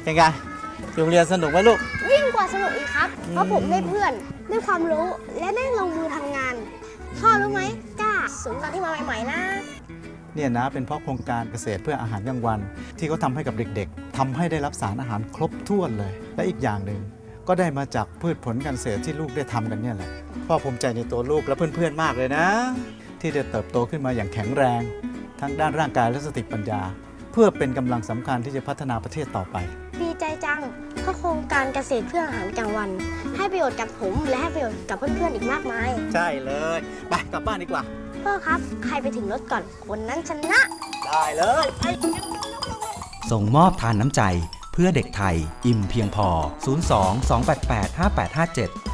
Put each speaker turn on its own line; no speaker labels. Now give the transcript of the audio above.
เป็นไงโรงเรียนสนุกไหมลูก
ยิ่งกว่าสนุกอีกครับเพราะผมได้เพื่อนได้ความรู้และได้ลงมือทำงานพ่อรู้ไหมกล้าศูนย์การที่มาใหม่ๆนะ
เนี่ยนะเป็นเพราะโครงการเกษตรเพื่ออาหารกลางวันที่เขาทำให้กับเด็กๆทำให้ได้รับสารอาหารครบถ้วนเลยและอีกอย่างหนึ่งก็ได้มาจากพืชผลการเกษตรที่ลูกได้ทำกันเนี่ยแหละพ่อภูมิใจในตัวลูกและเพื่อนๆมากเลยนะที่ได้เติบโตขึ้นมาอย่างแข็งแรงทั้งด้านร่างกายและสติปัญญาเพื่อเป็นกำลังสำคัญที่จะพัฒนาประเทศต่อไป
ดีใจจังเพราะโครงการเกษตรเพื่ออาหารกลางวันให้ประโยชน์กับผมและให้ประโยชน์กับเพื่อนๆอีกมากมาย
ใช่เลยไปกลับบ้านดีกว่า
พ่อครับใครไปถึงรถก่อนคนนั้นชนะ
ได้เลย
ส่งมอบทานน้ำใจเพื่อเด็กไทยอิ่มเพียงพอ02 288 5857